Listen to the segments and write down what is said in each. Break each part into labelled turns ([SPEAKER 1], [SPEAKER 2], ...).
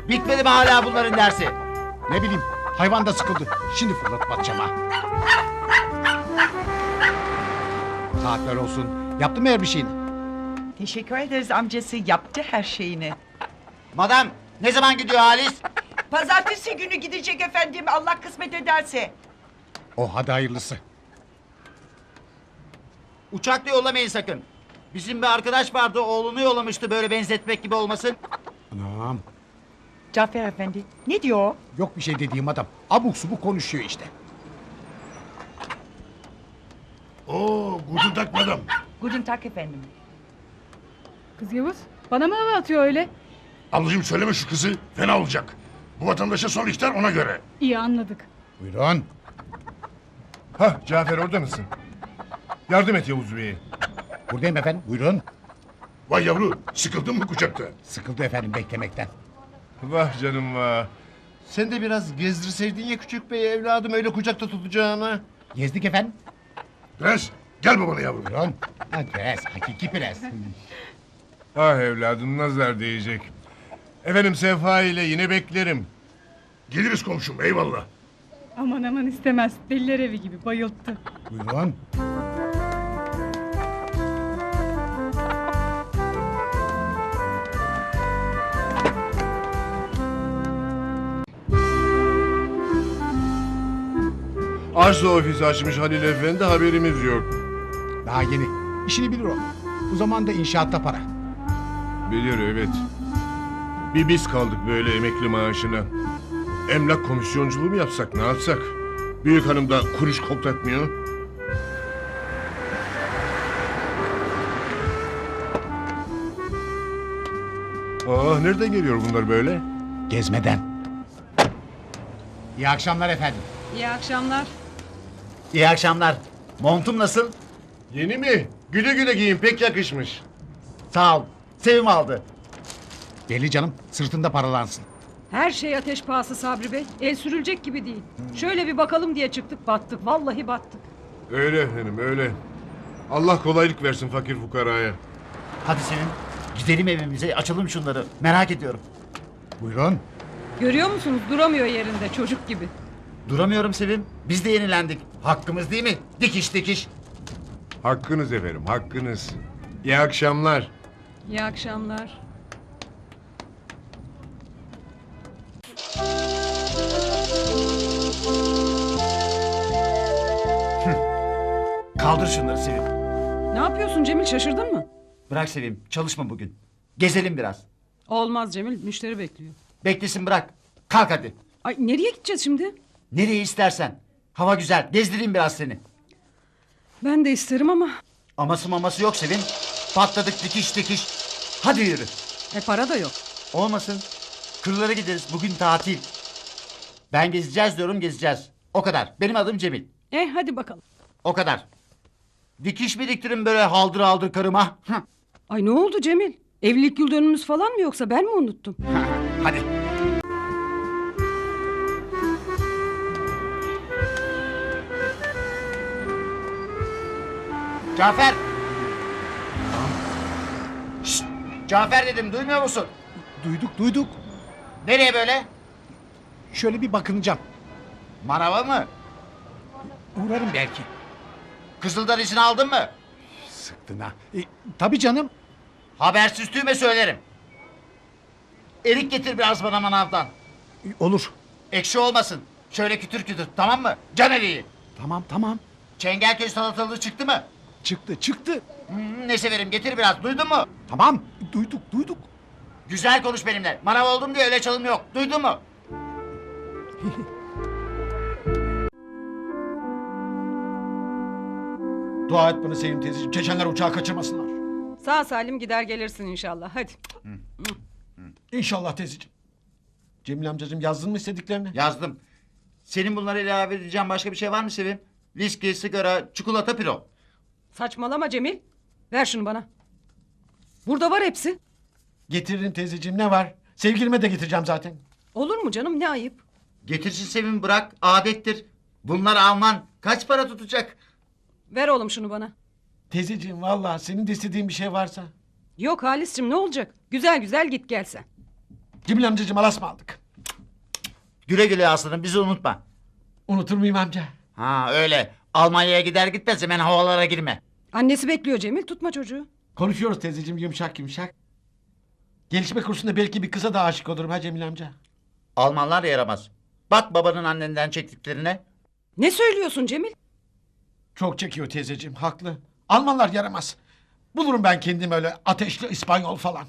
[SPEAKER 1] Bitmedi mi hala bunların dersi?
[SPEAKER 2] Ne bileyim, hayvan da sıkıldı. Şimdi fırlatıp atacağım ha. Saatler olsun. Yaptın mı her bir şeyini?
[SPEAKER 3] Teşekkür ederiz amcası, yaptı her şeyini.
[SPEAKER 1] Madam ne zaman gidiyor Halis?
[SPEAKER 3] Pazartesi günü gidecek efendim, Allah kısmet ederse.
[SPEAKER 2] Oh, hadi hayırlısı.
[SPEAKER 1] Uçakla yollamayın sakın. Bizim bir arkadaş vardı, oğlunu yollamıştı, böyle benzetmek gibi olmasın.
[SPEAKER 2] Anam.
[SPEAKER 3] Cafer efendi, ne diyor o?
[SPEAKER 2] Yok bir şey dediğim adam. Abuk subuk konuşuyor işte.
[SPEAKER 4] Oo, guten Tag madam.
[SPEAKER 3] Guten Tag efendim.
[SPEAKER 5] Kız Yavuz, bana mı hava atıyor öyle?
[SPEAKER 4] Ablacığım söyleme şu kızı, fena olacak. Bu vatandaşa son ihtar ona göre.
[SPEAKER 5] İyi anladık.
[SPEAKER 2] Buyurun.
[SPEAKER 6] Hah Cafer orada mısın? Yardım et Yavuz Bey'e.
[SPEAKER 2] Buradayım efendim. Buyurun.
[SPEAKER 4] Vay yavru, sıkıldın mı kucakta?
[SPEAKER 2] Sıkıldı efendim beklemekten.
[SPEAKER 6] Vah canım vah. Sen de biraz gezdirseydin ya küçük bey evladım öyle kucakta tutacağına.
[SPEAKER 2] Gezdik efendim.
[SPEAKER 4] Prens, gel babana yavrum.
[SPEAKER 2] Buyurun. Ha, prens. Hakiki prens.
[SPEAKER 6] Ah evladım nazar değecek. Efendim Sefa ile yine beklerim.
[SPEAKER 4] Geliriz komşum, eyvallah.
[SPEAKER 5] Aman aman istemez. Deliler evi gibi bayılttı.
[SPEAKER 2] Buyurun.
[SPEAKER 6] Arsa ofisi açmış Halil Efendi haberimiz yok.
[SPEAKER 2] Daha yeni. İşini bilir o. Bu zamanda inşaatta para.
[SPEAKER 6] Bilir evet. Bir biz kaldık böyle emekli maaşına. Emlak komisyonculuğu mu yapsak ne yapsak? Büyük hanım da kuruş koklatmıyor. Nereden geliyor bunlar böyle?
[SPEAKER 2] Gezmeden. İyi akşamlar efendim.
[SPEAKER 5] İyi akşamlar.
[SPEAKER 1] İyi akşamlar. Montum nasıl?
[SPEAKER 6] Yeni mi? Güle güle giyin pek yakışmış.
[SPEAKER 1] Sağ ol. Sevim aldı.
[SPEAKER 2] Belli canım. Sırtında paralansın.
[SPEAKER 7] Her şey ateş pahası Sabri Bey. El sürülecek gibi değil. Şöyle bir bakalım diye çıktık battık. Vallahi battık.
[SPEAKER 6] Öyle efendim öyle. Allah kolaylık versin fakir fukaraya.
[SPEAKER 1] Hadi Sevim. Gidelim evimize, açalım şunları. Merak ediyorum.
[SPEAKER 2] Buyurun.
[SPEAKER 7] Görüyor musunuz? Duramıyor yerinde çocuk gibi.
[SPEAKER 1] Duramıyorum Sevim. Biz de yenilendik. Hakkımız değil mi? Dikiş dikiş.
[SPEAKER 6] Hakkınız efendim hakkınız. İyi akşamlar.
[SPEAKER 7] İyi akşamlar.
[SPEAKER 1] Kaldır şunları Sevim.
[SPEAKER 7] Ne yapıyorsun Cemil, şaşırdın mı?
[SPEAKER 1] Bırak Sevim. Çalışma bugün. Gezelim biraz.
[SPEAKER 7] Olmaz Cemil, müşteri bekliyor.
[SPEAKER 1] Beklesin bırak. Kalk hadi.
[SPEAKER 7] Ay nereye gideceğiz şimdi?
[SPEAKER 1] Nereye istersen. Hava güzel. Gezdireyim biraz seni.
[SPEAKER 7] Ben de isterim ama
[SPEAKER 1] Aması maması yok Sevim. Patladık dikiş dikiş. Hadi yürü.
[SPEAKER 7] para da yok.
[SPEAKER 1] Olmasın. Kırlara gideriz. Bugün tatil. Ben gezeceğiz diyorum, gezeceğiz. O kadar. Benim adım Cemil.
[SPEAKER 7] Hadi bakalım.
[SPEAKER 1] O kadar. Dikiş biriktirin böyle haldır haldır karıma. Hı.
[SPEAKER 7] Ay ne oldu Cemil? Evlilik yıl dönümümüz falan mı yoksa ben mi unuttum?
[SPEAKER 1] Hadi. Cafer. Şşt, Cafer dedim, duymuyor musun?
[SPEAKER 2] Duyduk.
[SPEAKER 1] Nereye böyle?
[SPEAKER 2] Şöyle bir bakınacağım.
[SPEAKER 1] Manava mı?
[SPEAKER 2] Uğrarım belki.
[SPEAKER 1] Kızıldan izin aldın mı?
[SPEAKER 2] Sıktın ha. Tabii canım.
[SPEAKER 1] Habersiz tüyme söylerim. Erik getir biraz bana manavdan.
[SPEAKER 2] Olur.
[SPEAKER 1] Ekşi olmasın. Şöyle kütür kütür, tamam mı? Can eriği.
[SPEAKER 2] Tamam.
[SPEAKER 1] Çengelköy salatalığı çıktı mı?
[SPEAKER 2] Çıktı.
[SPEAKER 1] Ne severim, getir biraz, duydun mu?
[SPEAKER 2] Tamam. Duyduk.
[SPEAKER 1] Güzel konuş benimle. Manav oldum diye öyle çalım yok. Duydun mu?
[SPEAKER 2] Dua et bana Sevim teyzeciğim. Çeçenler uçağı kaçırmasınlar.
[SPEAKER 7] Sağ salim gider gelirsin inşallah. Hadi.
[SPEAKER 2] İnşallah teyzeciğim. Cemil amcacığım yazdın mı istediklerini?
[SPEAKER 1] Yazdım. Senin bunları ilave edeceğim başka bir şey var mı Sevim? Viski, sigara, çikolata, piro.
[SPEAKER 7] Saçmalama Cemil. Ver şunu bana. Burada var hepsi.
[SPEAKER 2] Getiririm teyzeciğim ne var? Sevgilime de getireceğim zaten.
[SPEAKER 7] Olur mu canım, ne ayıp.
[SPEAKER 1] Getirsin Sevim, bırak, adettir. Bunlar Alman. Kaç para tutacak?
[SPEAKER 7] Ver oğlum şunu bana.
[SPEAKER 2] Teyzeciğim vallahi senin de istediğin bir şey varsa.
[SPEAKER 7] Yok Halis'cim, ne olacak? Güzel güzel git gel sen.
[SPEAKER 2] Cemil amcacığım alas mı aldık?
[SPEAKER 1] Güle güle aslanım bizi unutma.
[SPEAKER 2] Unutur muyum amca?
[SPEAKER 1] Ha öyle. Almanya'ya gider gitmez hemen havalara girme.
[SPEAKER 7] Annesi bekliyor Cemil, tutma çocuğu.
[SPEAKER 2] Konuşuyoruz teyzeciğim yumuşak yumuşak. Gelişme kursunda belki bir kıza da aşık olurum ha Cemil amca.
[SPEAKER 1] Almanlar yaramaz. Bak babanın annenden çektiklerine.
[SPEAKER 7] Ne söylüyorsun Cemil?
[SPEAKER 2] Çok çekiyor teyzeciğim haklı. Almanlar yaramaz. Bulurum ben kendim öyle ateşli İspanyol falan.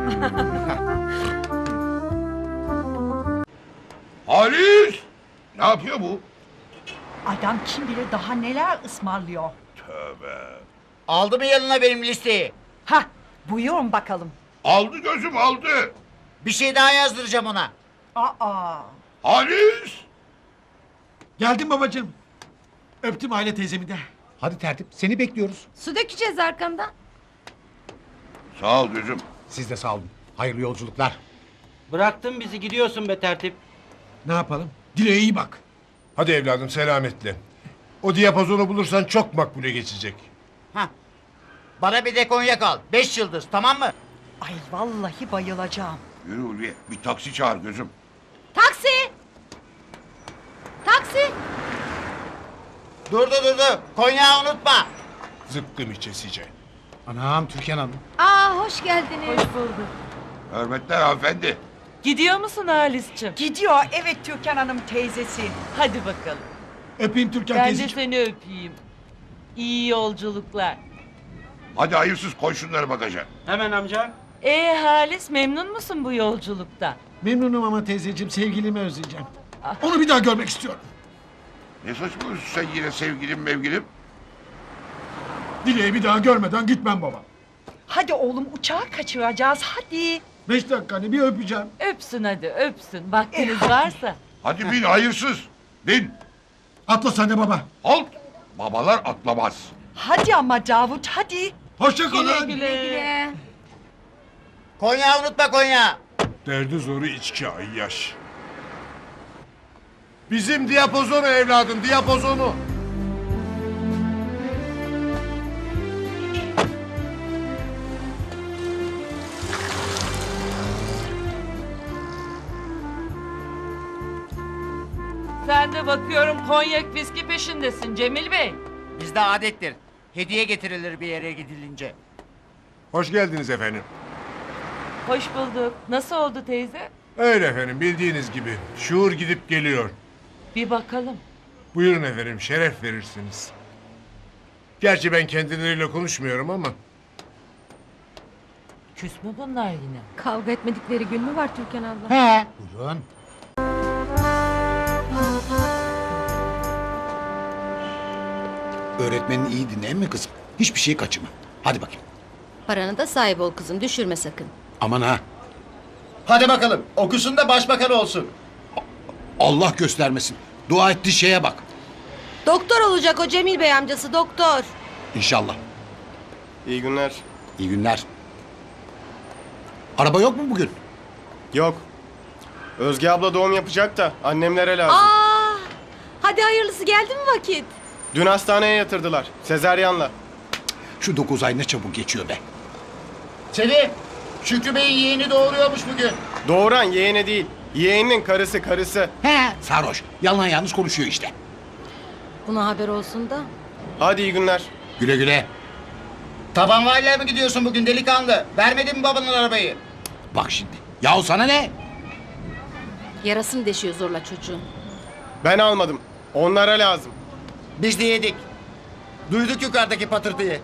[SPEAKER 4] Halis! Ne yapıyor bu?
[SPEAKER 3] Adam kim bilir daha neler ısmarlıyor.
[SPEAKER 1] Aldı mı yanına benim listeyi?
[SPEAKER 3] Ha, buyurun bakalım.
[SPEAKER 4] Aldı gözüm aldı.
[SPEAKER 1] Bir şey daha yazdıracağım ona.
[SPEAKER 3] Aa,
[SPEAKER 4] Halis!
[SPEAKER 2] Geldim babacığım. Öptüm aile teyzemi de.
[SPEAKER 8] Hadi tertip seni bekliyoruz.
[SPEAKER 9] Su dökeceğiz arkandan.
[SPEAKER 4] Sağ ol gözüm.
[SPEAKER 8] Siz de sağ olun. Hayırlı yolculuklar.
[SPEAKER 10] Bıraktın bizi gidiyorsun be tertip.
[SPEAKER 2] Ne yapalım? Dileğe iyi bak.
[SPEAKER 6] Hadi evladım selametle. O diyapazonu bulursan çok makbule geçecek.
[SPEAKER 1] Hah. Bana bir de konyak al. 5 yıldız tamam mı?
[SPEAKER 3] ay vallahi bayılacağım.
[SPEAKER 4] Yürü Ulviye bir taksi çağır gözüm.
[SPEAKER 9] Taksi! Taksi!
[SPEAKER 1] Durdu. Konyağı unutma.
[SPEAKER 6] Zıpkın içesice.
[SPEAKER 8] Anam Türkan Hanım.
[SPEAKER 9] Aa hoş geldiniz. Hoş bulduk.
[SPEAKER 4] Hürmetler hanımefendi.
[SPEAKER 11] Gidiyor musun Halis'ciğim?
[SPEAKER 3] Gidiyor evet Türkan Hanım teyzesi.
[SPEAKER 11] Hadi bakalım.
[SPEAKER 2] Öpeyim Türkan
[SPEAKER 11] Ben de
[SPEAKER 2] teyzeciğim.
[SPEAKER 11] seni öpeyim. İyi yolculuklar.
[SPEAKER 4] Hadi hayırsız koy şunları bagaja.
[SPEAKER 10] Hemen amca.
[SPEAKER 11] Halis memnun musun bu yolculukta?
[SPEAKER 2] Memnunum ama teyzeciğim sevgilimi özleyeceğim. Onu bir daha görmek istiyorum.
[SPEAKER 4] Ne saçmalıyorsun sen yine sevgilim mevgilim?
[SPEAKER 2] Dileği bir daha görmeden gitmem baba.
[SPEAKER 3] Hadi oğlum uçağı kaçıracağız hadi.
[SPEAKER 2] 5 dakika hani bir öpeceğim.
[SPEAKER 11] Öpsün hadi öpsün. Vaktiniz
[SPEAKER 3] hadi.
[SPEAKER 11] varsa.
[SPEAKER 4] Hadi bin hayırsız. Bin.
[SPEAKER 2] Atla sen de baba.
[SPEAKER 4] Halt. Babalar atlamaz.
[SPEAKER 3] Hadi ama Davut hadi.
[SPEAKER 2] Hoşça
[SPEAKER 11] Güle
[SPEAKER 2] kalın.
[SPEAKER 11] güle.
[SPEAKER 1] Konyağı unutma konyağı.
[SPEAKER 6] Derdi zoru içki ayyaş. Bizim diyapozonu evladım diyapozonu.
[SPEAKER 11] Sen de bakıyorum konyak viski peşindesin Cemil Bey.
[SPEAKER 1] Bizde adettir. Hediye getirilir bir yere gidilince.
[SPEAKER 6] Hoş geldiniz efendim.
[SPEAKER 11] Hoş bulduk. Nasıl oldu teyze?
[SPEAKER 6] Öyle efendim bildiğiniz gibi. Şuur gidip geliyor.
[SPEAKER 11] Bir bakalım.
[SPEAKER 6] Buyurun efendim şeref verirsiniz. Gerçi ben kendileriyle konuşmuyorum ama.
[SPEAKER 11] Küs mü bunlar yine?
[SPEAKER 9] Kavga etmedikleri gün mü var Türkan abla?
[SPEAKER 8] He. Buyurun. Öğretmenin iyi dinleyen mi kızım? Hiçbir şey kaçırma. Hadi bakayım.
[SPEAKER 9] Paranı da sahip ol kızım düşürme sakın.
[SPEAKER 8] Aman ha.
[SPEAKER 1] Hadi bakalım okusun da başbakan olsun.
[SPEAKER 8] Allah göstermesin. Dua ettiği şeye bak.
[SPEAKER 9] Doktor olacak o Cemil Bey amcası doktor.
[SPEAKER 8] İnşallah.
[SPEAKER 10] İyi günler.
[SPEAKER 8] İyi günler. Araba yok mu bugün?
[SPEAKER 10] Yok. Özge abla doğum yapacak da annemlere lazım.
[SPEAKER 9] Aa! Hadi hayırlısı geldi mi vakit?
[SPEAKER 10] Dün hastaneye yatırdılar. Sezaryenle.
[SPEAKER 8] Şu 9 ay ne çabuk geçiyor be.
[SPEAKER 1] Selim, Şükrü Bey'in yeğeni doğuruyormuş bugün.
[SPEAKER 10] Doğuran yeğeni değil. Yeğeninin karısı.
[SPEAKER 8] He. Sarhoş. Yalan yanlış konuşuyor işte.
[SPEAKER 9] Buna haber olsun da.
[SPEAKER 10] Hadi iyi günler.
[SPEAKER 8] Güle güle.
[SPEAKER 1] Tabanvayla mı gidiyorsun bugün delikanlı? Vermedin mi babanın arabayı?
[SPEAKER 8] Bak şimdi. Yahu sana ne?
[SPEAKER 9] Yarasını deşiyor zorla çocuğun.
[SPEAKER 10] Ben almadım. Onlara lazım.
[SPEAKER 1] Biz de yedik. Duyduk yukarıdaki patırtıyı.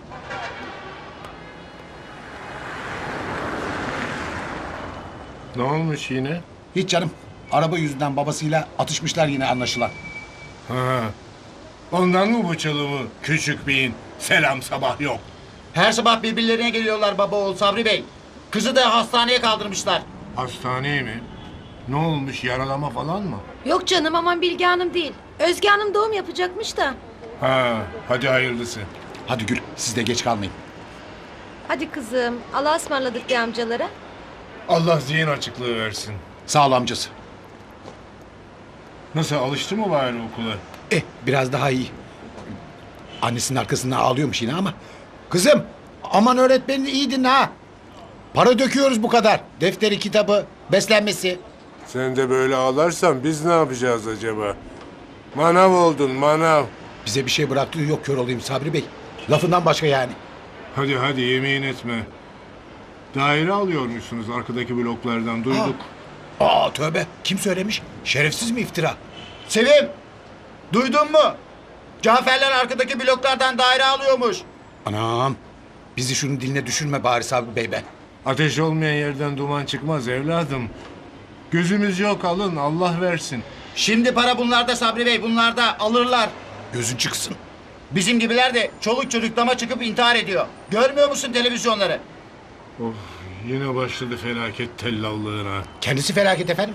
[SPEAKER 6] Ne olmuş yine?
[SPEAKER 8] Hiç canım. Araba yüzünden babasıyla atışmışlar yine anlaşılan.
[SPEAKER 6] Ha. Ondan mı bu çalımı küçük beyin? Selam sabah yok.
[SPEAKER 1] Her sabah birbirlerine geliyorlar baba oğul Sabri Bey. Kızı da hastaneye kaldırmışlar.
[SPEAKER 6] Hastaneye mi? Ne olmuş yaralama falan mı?
[SPEAKER 9] Yok canım aman Bilge Hanım değil. Özge Hanım doğum yapacakmış da.
[SPEAKER 6] Ha, hadi hayırlısı.
[SPEAKER 8] Hadi Gül siz de geç kalmayın.
[SPEAKER 9] Hadi kızım Allah'a ısmarladık de amcalara.
[SPEAKER 6] Allah zihin açıklığı versin.
[SPEAKER 8] Sağ ol amcası.
[SPEAKER 6] Nasıl alıştı mı bari okula?
[SPEAKER 8] Biraz daha iyi. Annesinin arkasından ağlıyormuş yine ama. Kızım aman öğretmenini iyi dinle ha. Para döküyoruz bu kadar. Defteri kitabı. beslenmesi.
[SPEAKER 6] Sen de böyle ağlarsan biz ne yapacağız acaba? Manav oldun manav.
[SPEAKER 8] Bize bir şey bıraktığı yok kör olayım Sabri Bey. Lafından başka yani.
[SPEAKER 6] Hadi hadi yemeğin etme. Daire alıyormuşsunuz arkadaki bloklardan duyduk.
[SPEAKER 8] Aa tövbe. Kim söylemiş? Şerefsiz mi iftira?
[SPEAKER 1] Sevim, duydun mu? Caferler arkadaki bloklardan daire alıyormuş.
[SPEAKER 8] Anam. Bizi şunun diline düşürme bari Sabri Bey be.
[SPEAKER 6] Ateş olmayan yerden duman çıkmaz evladım. Gözümüz yok alın Allah versin.
[SPEAKER 1] Şimdi para bunlarda Sabri Bey, bunlarda alırlar.
[SPEAKER 8] Gözün çıksın.
[SPEAKER 1] Bizim gibiler de çoluk çocuk dama çıkıp intihar ediyor. Görmüyor musun televizyonları?
[SPEAKER 6] Of yine başladı felaket tellallığına.
[SPEAKER 8] Kendisi felaket efendim.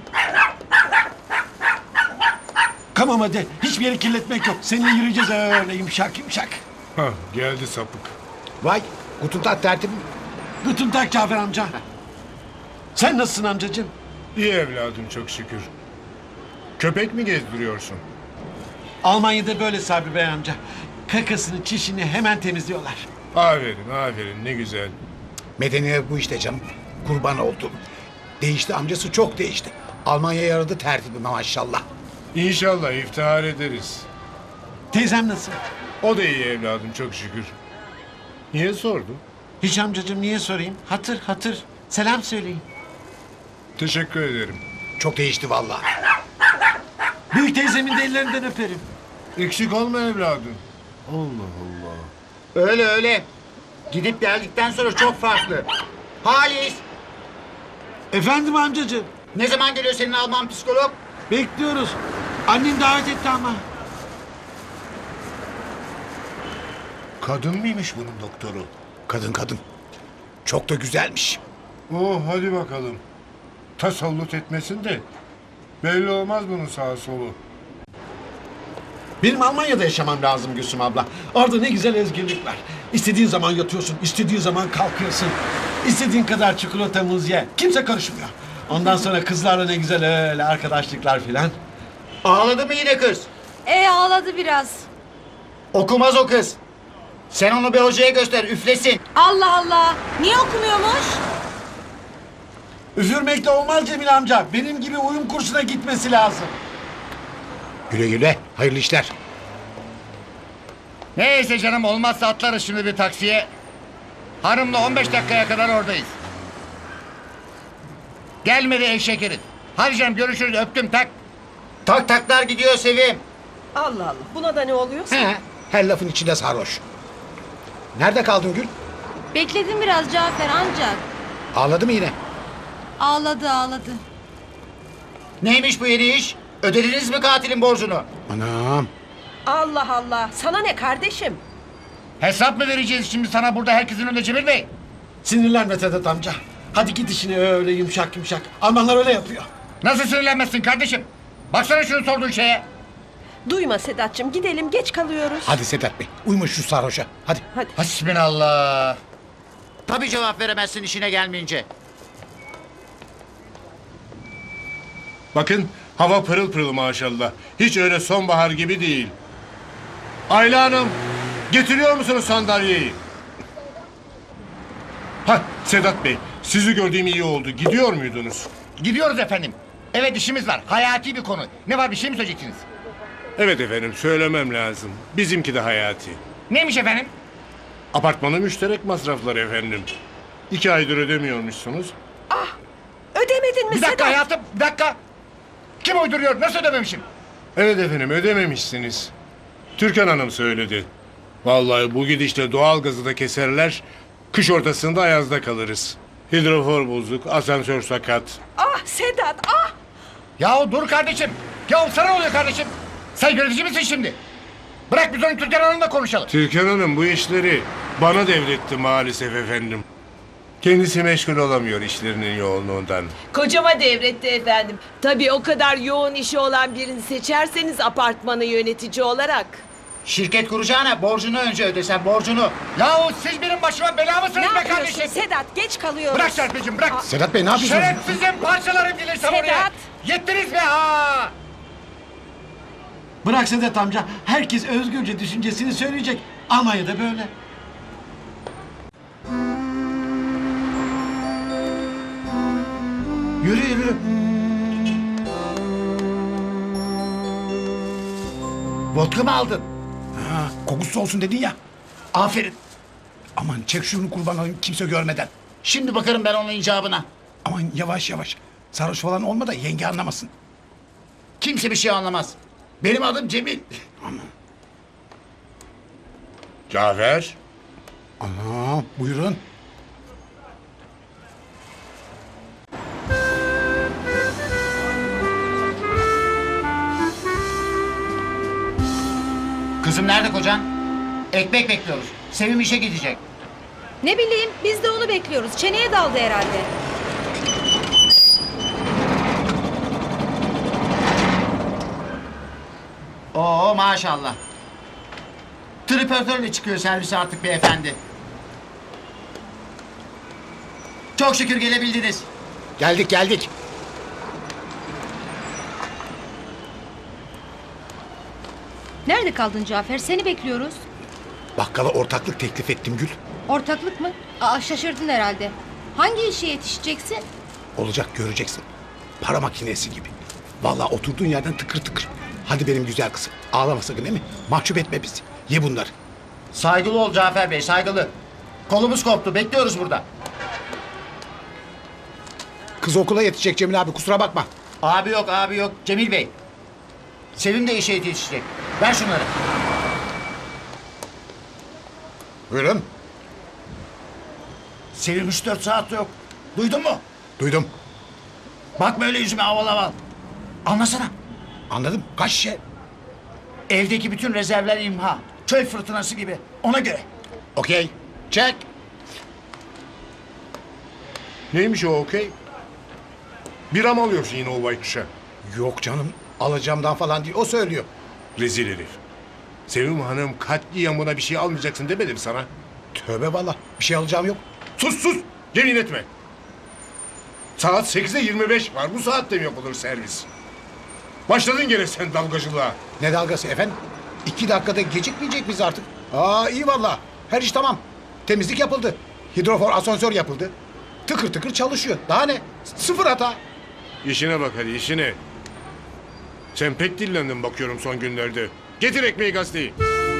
[SPEAKER 2] Tamam hadi. Hiçbir yeri kirletmek yok. Seninle yürüyeceğiz öyle yumuşak yumuşak.
[SPEAKER 6] Hah geldi sapık.
[SPEAKER 8] Vay. Kutuntak tertibim.
[SPEAKER 2] Guten Tag Cafer amca. Sen nasılsın amcacığım?
[SPEAKER 6] İyi evladım çok şükür. Köpek mi gezdiriyorsun?
[SPEAKER 2] Almanya'da böyle Sabri Bey amca. Kakasını, çişini hemen temizliyorlar.
[SPEAKER 6] Aferin aferin ne güzel.
[SPEAKER 8] Medeniyet bu işte canım. Kurban oldum. Değişti amcası çok değişti. Almanya'ya yaradı tertibime maşallah.
[SPEAKER 6] İnşallah iftihar ederiz.
[SPEAKER 2] Teyzem nasıl?
[SPEAKER 6] O da iyi evladım çok şükür. Niye sordun?
[SPEAKER 2] Hiç amcacığım niye sorayım? Hatır hatır. Selam söyleyin.
[SPEAKER 6] Teşekkür ederim.
[SPEAKER 8] Çok değişti vallahi.
[SPEAKER 2] Büyük teyzemin de ellerinden öperim.
[SPEAKER 6] Eksik olma evladım. Allah Allah.
[SPEAKER 1] Öyle öyle. Gidip geldikten sonra çok farklı. Halis,
[SPEAKER 2] Efendim amcacığım.
[SPEAKER 1] ne zaman geliyor senin Alman psikolog?
[SPEAKER 2] Bekliyoruz. Annen davet etti ama.
[SPEAKER 6] Kadın mıymış bunun doktoru?
[SPEAKER 8] Kadın kadın. Çok da güzelmiş.
[SPEAKER 6] Oh hadi bakalım. Tasallut etmesin de. Belli olmaz bunun sağa solu.
[SPEAKER 2] Benim Almanya'da yaşamam lazım Gülsüm abla. Orada ne güzel özgürlük var. İstediğin zaman yatıyorsun, istediğin zaman kalkıyorsun. İstediğin kadar çikolata, muz ye. Kimse karışmıyor. Ondan sonra kızlarla ne güzel öyle arkadaşlıklar filan.
[SPEAKER 1] Ağladı mı yine kız?
[SPEAKER 9] Ağladı biraz.
[SPEAKER 1] Okumaz o kız. Sen onu bir hocaya göster, üflesin.
[SPEAKER 9] Allah Allah. Niye okumuyormuş?
[SPEAKER 2] Üfürmekle olmaz Cemil amca. Benim gibi uyum kursuna gitmesi lazım.
[SPEAKER 8] Güle güle. Hayırlı işler.
[SPEAKER 1] Neyse canım, olmazsa atlarız şimdi bir taksiye. Hanımla 15 dakikaya kadar oradayız. Gelmedi eşek herif. Hadi canım görüşürüz, öptüm, tak. Tak taklar gidiyor Sevim.
[SPEAKER 3] Allah Allah. Buna da ne oluyor?
[SPEAKER 8] He, her lafın içinde sarhoş. Nerede kaldın Gül?
[SPEAKER 9] Bekledim biraz Cafer ancak.
[SPEAKER 8] Ağladı mı yine?
[SPEAKER 9] Ağladı.
[SPEAKER 1] Neymiş bu yeni iş? Ödediniz mi katilin borcunu?
[SPEAKER 8] Anam.
[SPEAKER 3] Allah Allah. Sana ne kardeşim?
[SPEAKER 1] Hesap mı vereceğiz şimdi sana burada herkesin önünde Cemil Bey?
[SPEAKER 2] Sinirlenme Sedat amca. Hadi git işine öyle yumuşak yumuşak. Almanlar öyle yapıyor.
[SPEAKER 1] Nasıl sinirlenmezsin kardeşim? Baksana şunu sorduğun şeye.
[SPEAKER 3] Duyma Sedat'cığım. Gidelim, geç kalıyoruz.
[SPEAKER 8] Hadi Sedat Bey. Uyma şu sarhoşa. Hadi.
[SPEAKER 3] Hadi.
[SPEAKER 1] Hasbinallah. Tabii cevap veremezsin işine gelmeyince.
[SPEAKER 6] Bakın hava pırıl pırıl maşallah. Hiç öyle sonbahar gibi değil. Ayla Hanım getiriyor musunuz sandalyeyi? Ha Sedat Bey sizi gördüğüm iyi oldu. Gidiyor muydunuz?
[SPEAKER 1] Gidiyoruz efendim. Evet işimiz var. Hayati bir konu. Ne var, bir şey mi söyleyeceksiniz?
[SPEAKER 6] Evet efendim söylemem lazım. Bizimki de hayati.
[SPEAKER 1] Neymiş efendim?
[SPEAKER 6] Apartmanın müşterek masrafları efendim. 2 aydır ödemiyormuşsunuz.
[SPEAKER 3] Ödemedin mi
[SPEAKER 1] Bir dakika
[SPEAKER 3] Sedat?
[SPEAKER 1] hayatım, bir dakika. Kim uyduruyor? Nasıl ödememişim?
[SPEAKER 6] Evet efendim ödememişsiniz. Türkan Hanım söyledi. Vallahi bu gidişle doğalgazı da keserler. Kış ortasında ayazda kalırız. Hidrofor bozuk, asansör sakat.
[SPEAKER 3] Ah Sedat, ah!
[SPEAKER 1] Yahu dur kardeşim. Yahu sana ne oluyor kardeşim? Sen yönetici misin şimdi? Bırak biz onu Türkan Hanım'la konuşalım.
[SPEAKER 6] Türkan Hanım bu işleri bana devretti maalesef efendim. Kendisi meşgul olamıyor işlerinin yoğunluğundan.
[SPEAKER 3] Kocama devretti efendim. Tabii o kadar yoğun işi olan birini seçerseniz apartmanı yönetici olarak.
[SPEAKER 1] Şirket kuracağına borcunu önce ödesen, borcunu. Yahu siz benim başıma bela mısınız be kardeşim?
[SPEAKER 3] Sedat? Geç kalıyoruz.
[SPEAKER 1] Bırak Serpil'cim bırak.
[SPEAKER 8] Sedat Bey ne yapıyorsunuz?
[SPEAKER 1] Şerefsizim, parçalarım gelirsem
[SPEAKER 3] Sedat.
[SPEAKER 1] oraya. Yettiniz be ha.
[SPEAKER 2] Bırak Sedat amca. Herkes özgürce düşüncesini söyleyecek. Almanya'da böyle.
[SPEAKER 1] Yürü yürü. Vodka mı aldın?
[SPEAKER 8] Ha, kokusu olsun dedin ya.
[SPEAKER 1] Aferin.
[SPEAKER 8] Aman çek şunu kurban olayım kimse görmeden.
[SPEAKER 1] Şimdi bakarım ben onun icabına.
[SPEAKER 8] Aman yavaş yavaş. Sarhoş falan olma da yenge anlamasın.
[SPEAKER 1] Kimse bir şey anlamaz. Benim adım Cemil.
[SPEAKER 6] Cafer.
[SPEAKER 8] Ana buyurun.
[SPEAKER 1] Kızım nerede kocan? Ekmek bekliyoruz. Sevim işe gidecek.
[SPEAKER 9] Ne bileyim biz de onu bekliyoruz. Çeneye daldı herhalde.
[SPEAKER 1] Oo maşallah. Tripörtörle çıkıyor servise artık beyefendi. Çok şükür gelebildiniz.
[SPEAKER 8] Geldik geldik.
[SPEAKER 9] Nerede kaldın Cafer? Seni bekliyoruz.
[SPEAKER 8] Bakkala ortaklık teklif ettim Gül.
[SPEAKER 9] Ortaklık mı? Aa, şaşırdın herhalde. Hangi işe yetişeceksin?
[SPEAKER 8] Olacak göreceksin. Para makinesi gibi. Vallahi oturduğun yerden tıkır tıkır. Hadi benim güzel kızım. Ağlama sakın değil mi? Mahcup etme bizi. Ye bunları.
[SPEAKER 1] Saygılı ol Cafer Bey, saygılı. Kolumuz koptu, bekliyoruz burada.
[SPEAKER 8] Kız okula yetişecek Cemil abi kusura bakma.
[SPEAKER 1] Abi yok, abi yok. Cemil Bey. Sevim de işe yetişecek. Ver şunları.
[SPEAKER 8] Buyurun.
[SPEAKER 1] Sevim 3-4 saat yok. Duydun mu?
[SPEAKER 8] Duydum.
[SPEAKER 1] Bakma öyle yüzüme aval aval. Anlasana.
[SPEAKER 8] Anladım. Kaç şişe?
[SPEAKER 1] Evdeki bütün rezervler imha. Çöl fırtınası gibi. Ona göre.
[SPEAKER 8] Okey. Çek.
[SPEAKER 6] Neymiş o okey? Bira mı alıyorsun yine o baykuşa?
[SPEAKER 8] Yok canım. Alacağımdan falan değil. O söylüyor.
[SPEAKER 6] Rezil herif. Sevim Hanım katliamına bir şey almayacaksın demedim sana.
[SPEAKER 8] Tövbe valla. Bir şey alacağım yok.
[SPEAKER 6] Sus sus! Yemin etme. Saat 8'e 25 var. Bu saatte mi yapılır servis? Başladın gene sen dalgacılığa.
[SPEAKER 8] Ne dalgası efendim? 2 dakikada gecikmeyecek miyiz artık? Aa iyi valla. Her iş tamam. Temizlik yapıldı. Hidrofor asansör yapıldı. Tıkır tıkır çalışıyor. Daha ne? Sıfır hata.
[SPEAKER 6] İşine bak hadi işine. Sen pek dillendin bakıyorum son günlerde. Getir ekmeği gazeteyi.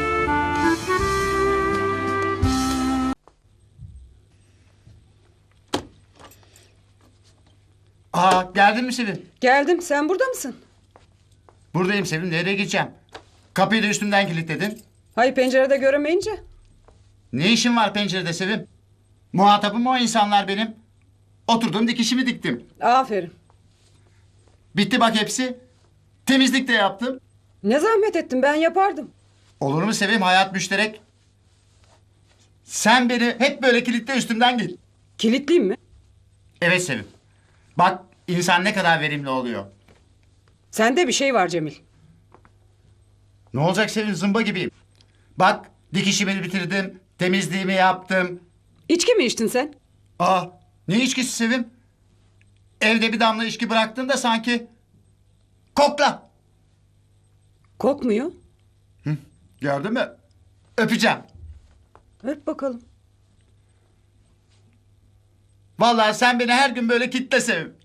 [SPEAKER 1] Aa geldin mi Sevim?
[SPEAKER 7] Geldim. Sen burada mısın?
[SPEAKER 1] Buradayım Sevim. Nereye gideceğim? Kapıyı da üstümden kilitledin.
[SPEAKER 7] Hayır pencerede göremeyince.
[SPEAKER 1] Ne işin var pencerede Sevim? Muhatabım o insanlar benim. Oturdum dikişimi diktim.
[SPEAKER 7] Aferin.
[SPEAKER 1] Bitti bak hepsi. Temizlik de yaptım.
[SPEAKER 7] Ne zahmet ettin ben yapardım.
[SPEAKER 1] Olur mu Sevim, hayat müşterek. Sen beni hep böyle kilitle üstümden git.
[SPEAKER 7] Kilitliyim mi?
[SPEAKER 1] Evet Sevim. Bak insan ne kadar verimli oluyor.
[SPEAKER 7] Sende bir şey var Cemil.
[SPEAKER 1] Ne olacak Sevim, zımba gibiyim. Bak dikişimi bitirdim, temizliğimi yaptım.
[SPEAKER 7] İçki mi içtin sen?
[SPEAKER 1] Aa ne içkisi Sevim? Evde bir damla içki bıraktın da sanki. Kokla.
[SPEAKER 7] Kokmuyor.
[SPEAKER 1] Gördün mü? Öpeceğim.
[SPEAKER 7] Öp bakalım.
[SPEAKER 1] Vallahi sen beni her gün böyle kitle Sevim.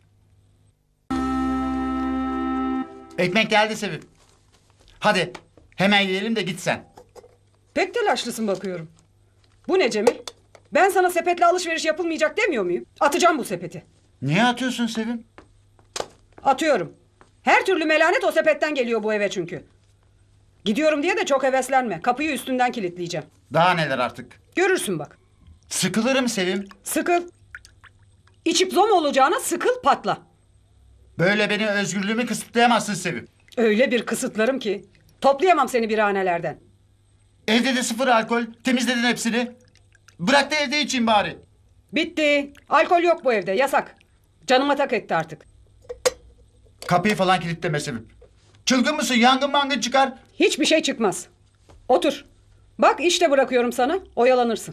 [SPEAKER 1] Ekmek geldi Sevim. Hadi hemen yiyelim de git sen.
[SPEAKER 7] Pek telaşlısın bakıyorum. Bu ne Cemil? Ben sana sepetle alışveriş yapılmayacak demiyor muyum? Atacağım bu sepeti.
[SPEAKER 1] Niye atıyorsun Sevim?
[SPEAKER 7] Atıyorum. Her türlü melanet o sepetten geliyor bu eve çünkü. Gidiyorum diye de çok heveslenme. Kapıyı üstünden kilitleyeceğim.
[SPEAKER 1] Daha neler artık.
[SPEAKER 7] Görürsün bak.
[SPEAKER 1] Sıkılırım Sevim.
[SPEAKER 7] Sıkıl. İçip zom olacağına sıkıl patla.
[SPEAKER 1] Böyle beni özgürlüğümü kısıtlayamazsın Sevim.
[SPEAKER 7] Öyle bir kısıtlarım ki. Toplayamam seni birhanelerden.
[SPEAKER 1] Evde de sıfır alkol. Temizledin hepsini. Bırak da evde içeyim bari.
[SPEAKER 7] Bitti. Alkol yok bu evde. Yasak. Canıma tak etti artık.
[SPEAKER 1] Kapıyı falan kilitleme Sevim. Çılgın mısın? Yangın mangın çıkar.
[SPEAKER 7] Hiçbir şey çıkmaz. Otur. Bak işte bırakıyorum sana. Oyalanırsın.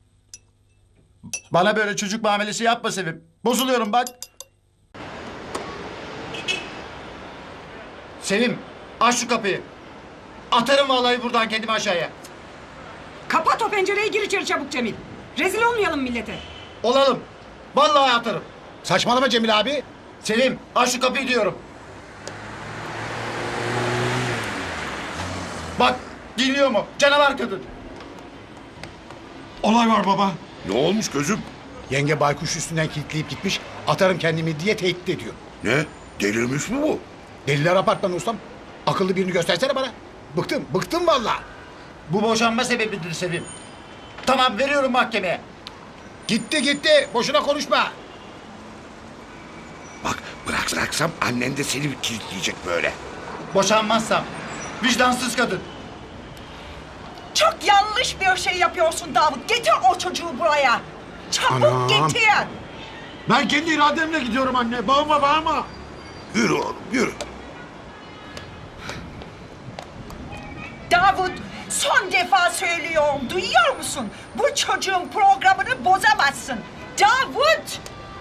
[SPEAKER 1] Bana böyle çocuk muamelesi yapma Sevim. Bozuluyorum bak. Sevim aç şu kapıyı. Atarım vallahi buradan kendimi aşağıya.
[SPEAKER 7] Kapat o pencereyi gir içeri çabuk Cemil. Rezil olmayalım millete.
[SPEAKER 1] Olalım. Vallahi atarım.
[SPEAKER 8] Saçmalama Cemil abi.
[SPEAKER 1] Sevim aç şu kapıyı diyorum. Bak dinliyor mu? Canavar kadın.
[SPEAKER 2] Olay var baba.
[SPEAKER 4] Ne olmuş gözüm?
[SPEAKER 8] Yenge baykuş üstünden kilitleyip gitmiş. Atarım kendimi diye tehdit ediyor.
[SPEAKER 4] Ne? Delirmiş mi bu?
[SPEAKER 8] Deliler apartmanı ustam. Akıllı birini göstersene bana. Bıktım vallahi.
[SPEAKER 1] Bu boşanma sebebidir Sevim. Tamam veriyorum mahkemeye.
[SPEAKER 8] Gitti. Boşuna konuşma.
[SPEAKER 4] Bak bıraksam annen de seni kilitleyecek böyle.
[SPEAKER 1] Boşanmazsam. Vicdansız kadın.
[SPEAKER 3] Çok yanlış bir şey yapıyorsun Davut. Getir o çocuğu buraya. Çabuk
[SPEAKER 8] Anam.
[SPEAKER 3] getir.
[SPEAKER 2] Ben kendi irademle gidiyorum anne. Bağırma.
[SPEAKER 4] Yürü oğlum yürü.
[SPEAKER 3] Davut, son defa söylüyorum. Duyuyor musun? Bu çocuğun programını bozamazsın. Davut!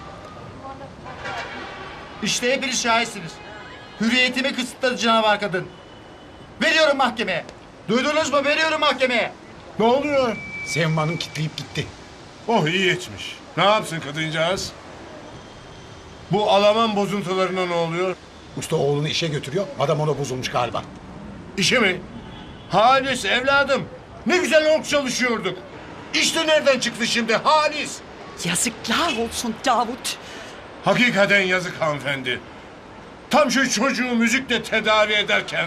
[SPEAKER 1] İşte hepiniz şahitsiniz. Hürriyetimi kısıtladı canavar kadın. Veriyorum mahkemeye. Duydunuz mu? Veriyorum mahkemeye.
[SPEAKER 6] Ne oluyor?
[SPEAKER 8] Sevim Hanım kilitleyip gitti.
[SPEAKER 6] Oh iyi etmiş. Ne yapsın kadıncağız? Bu Alman bozuntularına ne oluyor?
[SPEAKER 8] Usta oğlunu işe götürüyor. Adam ona bozulmuş galiba.
[SPEAKER 6] İşe mi? Halis evladım. Ne güzel ork çalışıyorduk. İşte nereden çıktı şimdi Halis?
[SPEAKER 3] Yazıklar olsun Davut.
[SPEAKER 6] Hakikaten yazık hanımefendi. Tam şu çocuğu müzikle tedavi ederken.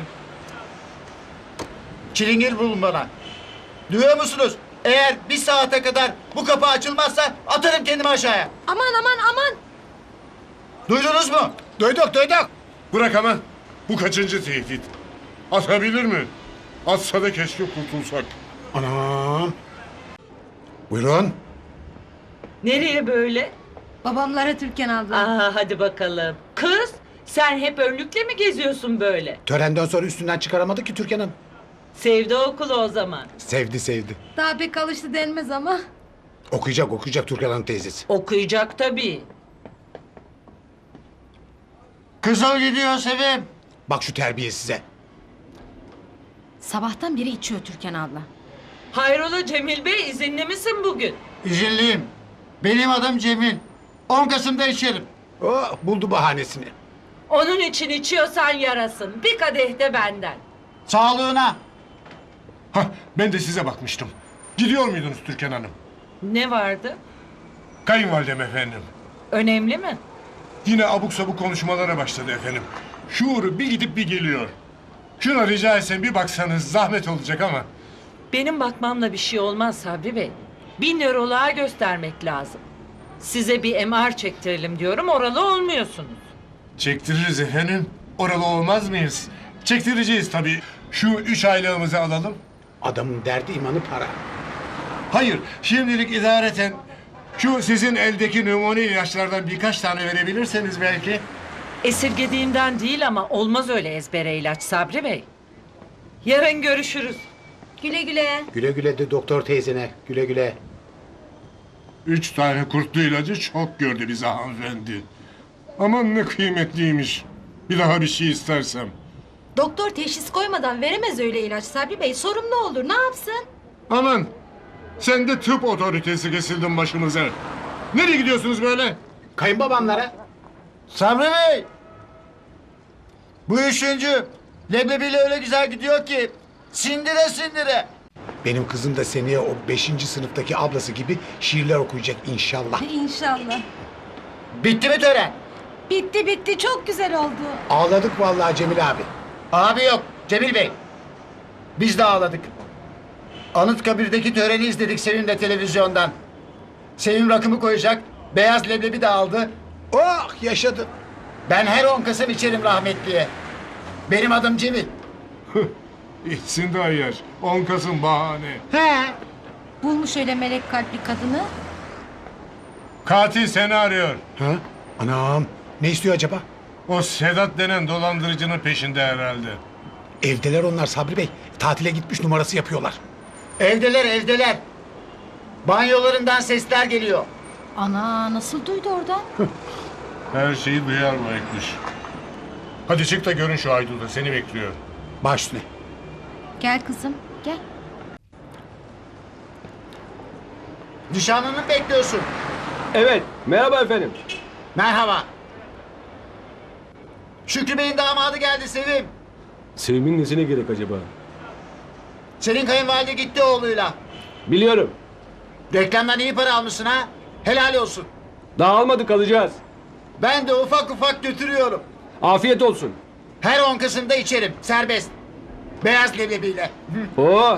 [SPEAKER 1] Çilingir bulun bana. Duyuyor musunuz? Eğer bir saate kadar bu kapı açılmazsa atarım kendimi aşağıya.
[SPEAKER 9] Aman.
[SPEAKER 1] Duydunuz mu?
[SPEAKER 8] Duyduk.
[SPEAKER 6] Bırak hemen. Bu kaçıncı tehdit? Atabilir mi? Atsa da keşke kurtulsak.
[SPEAKER 8] Anam. Buyurun.
[SPEAKER 11] Nereye böyle?
[SPEAKER 9] Babamlara Türkan abla.
[SPEAKER 11] Aa, hadi bakalım. Kız, sen hep önlükle mi geziyorsun böyle?
[SPEAKER 8] Törenden sonra üstünden çıkaramadı ki Türkan Hanım.
[SPEAKER 11] Sevdi okulu o zaman.
[SPEAKER 8] Sevdi.
[SPEAKER 9] Daha pek alıştı denmez ama.
[SPEAKER 8] Okuyacak Türkan Hanım teyzesi.
[SPEAKER 11] Okuyacak tabii.
[SPEAKER 1] Kızıl gidiyor Sevim.
[SPEAKER 8] Bak şu terbiye size.
[SPEAKER 9] Sabahtan beri içiyor Türkan abla.
[SPEAKER 11] Hayrola Cemil Bey, izinli misin bugün?
[SPEAKER 1] İzinliyim. Benim adım Cemil. 10 Kasım'da içerim.
[SPEAKER 8] Oh, buldu bahanesini.
[SPEAKER 11] Onun için içiyorsan yarasın. Bir kadeh de benden.
[SPEAKER 1] Sağlığına.
[SPEAKER 6] Hah, ben de size bakmıştım. Gidiyor muydunuz Türkan Hanım?
[SPEAKER 11] Ne vardı?
[SPEAKER 6] Kayınvalidem efendim.
[SPEAKER 11] Önemli mi?
[SPEAKER 6] Yine abuk sabuk konuşmalara başladı efendim. Şuuru bir gidip bir geliyor. Şuna rica etsem bir baksanız zahmet olacak ama.
[SPEAKER 11] Benim bakmamla bir şey olmaz Sabri Bey. Bir nöroloğa göstermek lazım. Size bir MR çektirelim diyorum, oralı olmuyorsunuz.
[SPEAKER 6] Çektiririz efendim. Oralı olmaz mıyız? Çektireceğiz tabii. Şu 3 aylığımızı alalım.
[SPEAKER 8] Adamın derdi imanı para.
[SPEAKER 6] Hayır, şimdilik idareten şu sizin eldeki numune ilaçlardan birkaç tane verebilirseniz belki.
[SPEAKER 11] Esirgediğimden değil ama olmaz öyle ezbere ilaç Sabri Bey. Yarın görüşürüz.
[SPEAKER 9] Güle güle.
[SPEAKER 8] Güle de doktor teyzene. Güle.
[SPEAKER 6] 3 tane kurtlu ilacı çok gördü bize hanımefendi. Aman ne kıymetliymiş. Bir daha bir şey istersem.
[SPEAKER 9] Doktor teşhis koymadan veremez öyle ilaç Sabri Bey. Sorumlu olur. Ne yapsın?
[SPEAKER 6] Aman sen de tıp otoritesi kesildin başımıza. Nereye gidiyorsunuz böyle?
[SPEAKER 8] Kayınbabamlara.
[SPEAKER 1] Sabri Bey. Bu üçüncü. Leblebiyle öyle güzel gidiyor ki. Sindire.
[SPEAKER 8] Benim kızım da seneye o 5. sınıftaki ablası gibi şiirler okuyacak inşallah.
[SPEAKER 9] İnşallah.
[SPEAKER 1] Bitti mi tören?
[SPEAKER 9] Bitti. Çok güzel oldu.
[SPEAKER 8] Ağladık vallahi Cemil abi.
[SPEAKER 1] Abi yok Cemil Bey. Biz de ağladık. Anıtkabir'deki töreni izledik Sevim'le televizyondan. Sevim rakımı koyacak. Beyaz leblebi de aldı.
[SPEAKER 8] Oh yaşadı.
[SPEAKER 1] Ben her 10 Kasım içerim rahmetliye. Benim adım Cemil.
[SPEAKER 6] İçsin de ayar. 10 Kasım bahane.
[SPEAKER 1] He.
[SPEAKER 9] Bulmuş öyle melek kalpli kadını.
[SPEAKER 6] Katil seni arıyor.
[SPEAKER 8] Ha? Anam. Ne istiyor acaba?
[SPEAKER 6] O Sedat denen dolandırıcının peşinde herhalde.
[SPEAKER 8] Evdeler onlar Sabri Bey. Tatile gitmiş numarası yapıyorlar.
[SPEAKER 1] Evdeler. Banyolarından sesler geliyor.
[SPEAKER 9] Ana nasıl duydu oradan?
[SPEAKER 6] Her şeyi duyar bu ekmiş. Hadi çık da görün şu Aydın'da seni bekliyor.
[SPEAKER 8] Baş üstüne.
[SPEAKER 9] Gel kızım gel.
[SPEAKER 1] Nişanlını bekliyorsun.
[SPEAKER 10] Evet, merhaba efendim.
[SPEAKER 1] Merhaba. Şükrü Bey'in damadı geldi Sevim.
[SPEAKER 12] Sevim'in nesine gerek acaba?
[SPEAKER 1] Senin kayınvalide gitti oğluyla.
[SPEAKER 12] Biliyorum.
[SPEAKER 1] Reklamdan iyi para almışsın ha. Helal olsun.
[SPEAKER 12] Daha almadık, alacağız.
[SPEAKER 1] Ben de ufak ufak götürüyorum.
[SPEAKER 12] Afiyet olsun.
[SPEAKER 1] Her 10 Kasım'da içerim. Serbest. Beyaz leblebiyle.
[SPEAKER 12] Oo.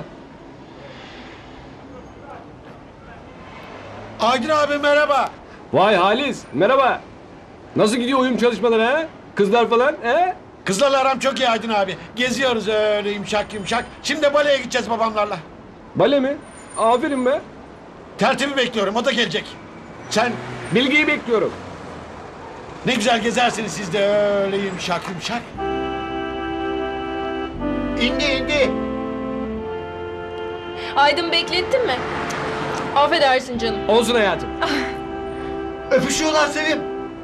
[SPEAKER 2] Aydın abi merhaba.
[SPEAKER 12] Vay Halis, merhaba. Nasıl gidiyor uyum çalışmaları ha? Kızlar falan he?
[SPEAKER 2] Kızlarla aram çok iyi Aydın abi. Geziyoruz öyle yumuşak yumuşak. Şimdi baleye gideceğiz babamlarla.
[SPEAKER 12] Bale mi? Aferin be.
[SPEAKER 2] Tertibi bekliyorum, o da gelecek. Sen
[SPEAKER 12] Bilgiyi bekliyorum.
[SPEAKER 2] ne güzel gezersiniz siz de öyle yumuşak yumuşak.
[SPEAKER 1] İndi.
[SPEAKER 9] Aydın beklettin mi? Affedersin canım.
[SPEAKER 12] Olsun hayatım.
[SPEAKER 1] Öpüşüyorlar Sevim.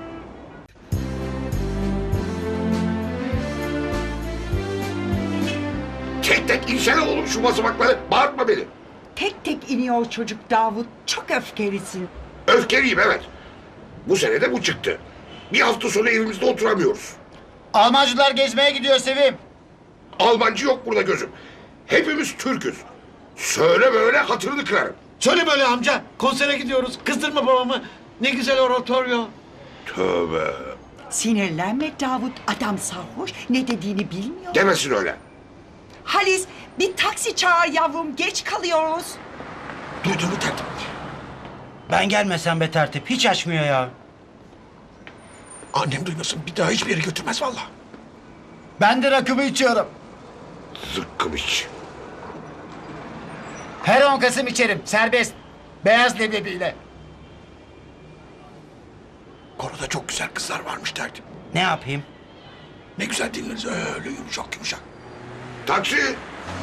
[SPEAKER 4] Tek tek insene oğlum şu basamakları. Bağırtma beni.
[SPEAKER 13] Tek tek iniyor çocuk Davut. Çok öfkelisin.
[SPEAKER 4] Öfkeliyim evet. Bu sene de bu çıktı. Bir hafta sonra evimizde oturamıyoruz.
[SPEAKER 1] Almancılar gezmeye gidiyor Sevim.
[SPEAKER 4] Almancı yok burada gözüm. Hepimiz Türk'üz. Söyle böyle hatırını kırarım.
[SPEAKER 2] Söyle böyle amca, konsere gidiyoruz. Kızdırma babamı. Ne güzel oratoryo.
[SPEAKER 4] Tövbe.
[SPEAKER 13] Sinirlenme Davut. Adam sarhoş. Ne dediğini bilmiyor.
[SPEAKER 4] Demesin öyle.
[SPEAKER 13] Halis bir taksi çağır yavrum. Geç kalıyoruz.
[SPEAKER 2] Duydun mu tertip?
[SPEAKER 14] Ben gelmesem be tertip. Hiç açmıyor ya.
[SPEAKER 2] Annem duymasın, bir daha hiçbir yere götürmez vallahi.
[SPEAKER 1] Ben de rakımı içiyorum.
[SPEAKER 4] Zıkkım iç.
[SPEAKER 1] Her 10 Kasım içerim. Serbest. Beyaz leblebiyle.
[SPEAKER 2] Koroda çok güzel kızlar varmış tertip.
[SPEAKER 14] Ne yapayım?
[SPEAKER 2] Ne güzel dinleriz öyle yumuşak yumuşak.
[SPEAKER 4] Taksi.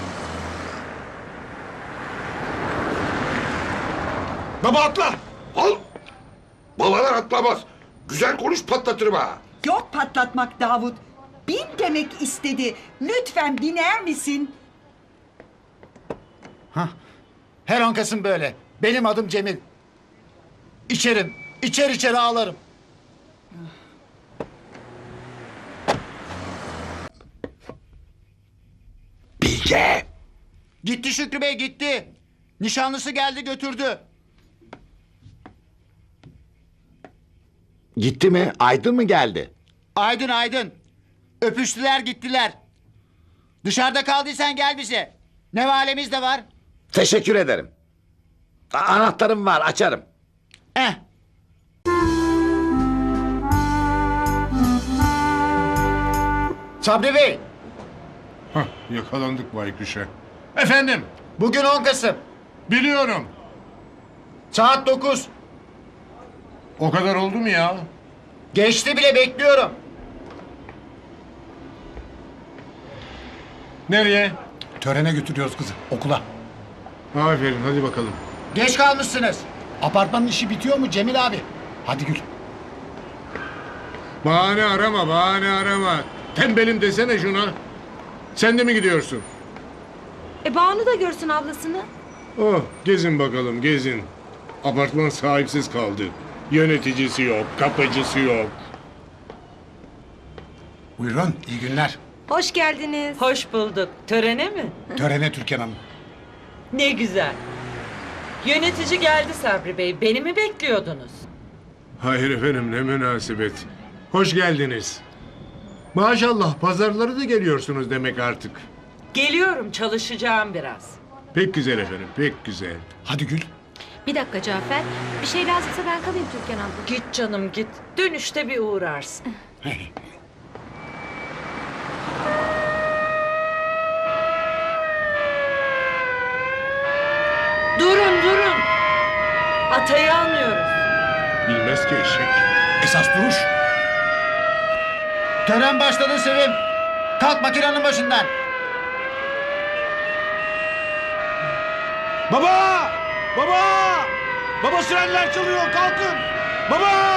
[SPEAKER 2] Baba atla.
[SPEAKER 4] Al. Babalar atlamaz. Güzel konuş patlatırım ha.
[SPEAKER 13] Yok patlatmak Davut. Bin demek istedi. Lütfen biner misin?
[SPEAKER 1] Her 10 Kasım böyle. Benim adım Cemil. İçerim. İçer ağlarım.
[SPEAKER 4] Bilge.
[SPEAKER 1] Gitti Şükrü Bey gitti. Nişanlısı geldi götürdü.
[SPEAKER 8] Gitti mi? Aydın mı geldi?
[SPEAKER 1] Aydın. Öpüştüler gittiler. Dışarıda kaldıysan gel bize. Ne valemiz de var.
[SPEAKER 8] Teşekkür ederim. Anahtarım var, açarım.
[SPEAKER 1] Eh. Sabri Bey.
[SPEAKER 6] Hah, yakalandık baykuşa. Efendim,
[SPEAKER 1] Bugün 10 Kasım.
[SPEAKER 6] biliyorum.
[SPEAKER 1] Saat 9.
[SPEAKER 6] O kadar oldu mu ya?
[SPEAKER 1] Geçti bile bekliyorum.
[SPEAKER 6] Nereye?
[SPEAKER 8] Törene götürüyoruz kızı, okula.
[SPEAKER 6] Aferin, hadi bakalım.
[SPEAKER 1] Geç kalmışsınız.
[SPEAKER 8] Apartmanın işi bitiyor mu Cemil abi? Hadi Gül.
[SPEAKER 6] Bahane arama. Tembelim desene şuna. Sen de mi gidiyorsun?
[SPEAKER 9] Banu da görsün ablasını.
[SPEAKER 6] Oh, gezin bakalım, gezin. Apartman sahipsiz kaldı. Yöneticisi yok, kapıcısı yok.
[SPEAKER 8] Buyurun, iyi günler.
[SPEAKER 9] Hoş geldiniz.
[SPEAKER 11] Hoş bulduk. Törene mi?
[SPEAKER 8] Törene Türkan Hanım.
[SPEAKER 11] Ne güzel. Yönetici geldi Sabri Bey. Beni mi bekliyordunuz?
[SPEAKER 6] Hayır efendim, ne münasebet. Hoş geldiniz. Maşallah, pazarları da geliyorsunuz demek artık.
[SPEAKER 11] Geliyorum, çalışacağım biraz.
[SPEAKER 6] Pek güzel efendim, pek güzel.
[SPEAKER 8] Hadi Gül.
[SPEAKER 9] Bir dakika Cafer. Bir şey lazımsa ben kalayım Türkan abla.
[SPEAKER 11] Git canım git. Dönüşte bir uğrarsın. Durun. Atayı almıyoruz.
[SPEAKER 6] Bilmez ki eşek.
[SPEAKER 8] Esas duruş.
[SPEAKER 1] Tören başladı Sevim. Kalk makinenin başından.
[SPEAKER 2] Baba! Baba! Baba sirenler çalıyor, kalkın! Baba!